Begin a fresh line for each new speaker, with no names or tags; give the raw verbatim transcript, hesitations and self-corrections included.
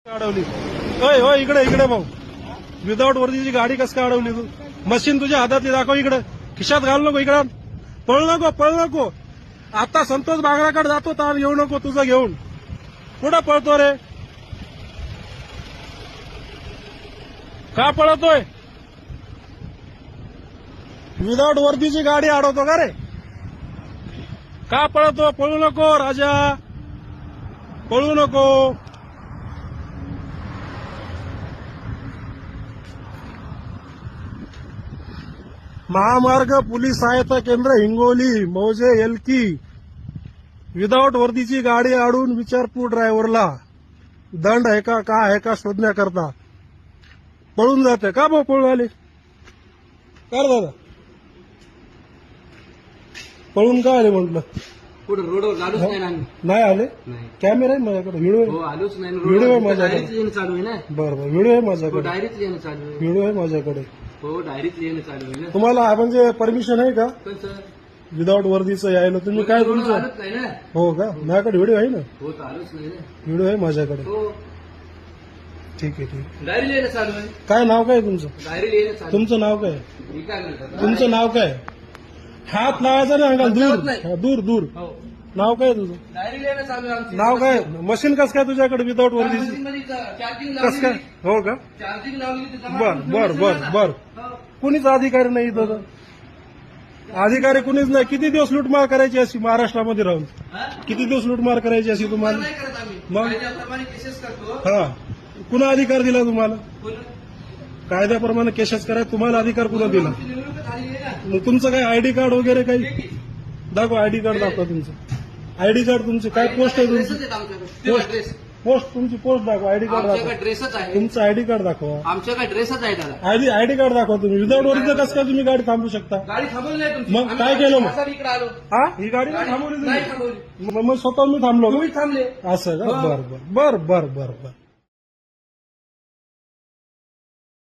अडवली होय होय इकडे इकडे भाऊ विदाऊट वर्दीची गाडी कस काय अडवली तू? मशीन तुझ्या हातातली दाखव इकडे, खिशात घाल नको, इकडे पळ नको पळ नको. आता संतोष बागराकडे जातो तर येऊ नको तुझं घेऊन. कुठं पळतो रे? का पळतोय? विदाऊट वर्दीची गाडी अडवतो का रे? का पळतो? पळू नको राजा, पळू नको. महामार्ग पोलीस सहायता केंद्र हिंगोली मौजे एलकी विदाऊट वर्दीची गाडी अडवून विचारपूर ड्रायव्हरला दंड आहे का का आहे का शोधण्याकरता पळून जाते. का भाऊ पळून आले? कर दादा पळून का आले म्हटलं?
पुढे रोडवर आलोच नाही ना आम्ही.
नाही आले?
नाही.
कॅमेरा आहे माझ्याकडे, व्हिडिओ
हो
आहे.
आलोच नाही.
व्हिडिओ आहे माझ्याकडे.
डायरीच लिहिणं चालू आहे ना.
बरं बरं व्हिडिओ आहे
हो
माझ्याकडे,
डायरीच लिहिणं चालू आहे.
व्हिडिओ आहे माझ्याकडे.
हो डायरीच लिहिणं चालू आहे ना.
तुम्हाला म्हणजे परमिशन आहे का
पण सर
विदाऊट वर्दीचं यायला? तुम्ही काय
रोडवर
तुमचं
आलोच नाही ना.
हो का? माझ्याकडे व्हिडिओ आहे ना,
हो तर आलोच नाही ना.
व्हिडिओ आहे माझ्याकडे.
हो
ठीक आहे ठीक आहे.
डायरी लिहिणं चालू आहे.
काय नाव काय तुमचं?
डायरी लिहिणं चालू
तुमचं नाव काय?
आहे. मी काय म्हणतो?
तुमचं नाव काय? हात लावायचा ना अंगाल,
हात
दूर
लावत नाही.
हा, दूर दूर.
हो
नाव काय तुझं?
डायरी लिहिणं चालू आहे आमची.
नाव काय? मशीन कस काय तुझ्याकडे विदाऊट वर्दीची?
चार्जिंग
कस काय?
लावली.
हो का?
चार्जिंग लावली तर जमा
बर
करून
बर
ठेवलं
बर
ना.
बर.
हो.
कुणीच अधिकारी नाही इथं तर. अधिकारी कुणीच नाही. किती दिवस लूटमार करायची अशी महाराष्ट्रामध्ये राहून?
हा?
किती दिवस लूटमार करायची अशी तुम्हाला?
नाही करत आम्ही.
मग?
कायद्याप्रमाणे केसेस करतो.
हा, कुणा अधिकार दिला तुम्हाला?
बोला.
कायद्याप्रमाणे केसेस करायला तुम्हाला अधिकार कुणा दिला?
आमची निवडणूक झाली आहे ना.
मग तुमचं काय आयडी कार्ड वगैरे काही
ठीक आहे.
दाखवा, आयडी कार्ड दाखवा तुमचं. आयडी कार्ड तुमची काय पोस्ट आहे
ड्रेसच
तुमची?
आहेत आमच्याकडे. तेव्हा ड्रेस.
पोस्ट तुमची पोस्ट दाखवा, आयडी कार्ड
आमच्याकडे
दाखवा.
ड्रेसच आहे.
तुमचं आयडी कार्ड दाखवा.
आमच्याकडे ड्रेसच आहे दादा.
आयडी आयडी कार्ड दाखवा तुम्ही. विदाऊट वर्दीचं कसं काय तुम्ही गाडी थांबू शकता?
गाडी थांबवली नाही तुमची.
मग
आम्ही
काय केलं मग?
असा इकडे आलो.
हा, ही गाडी नाही थांबवली
नाही
तुम्ही?
थांबवली.
मग मग स्वतः मी थांबलो का?
तुम्ही थांबले.
असं का?
हो.
बर बर बर बर बर बर.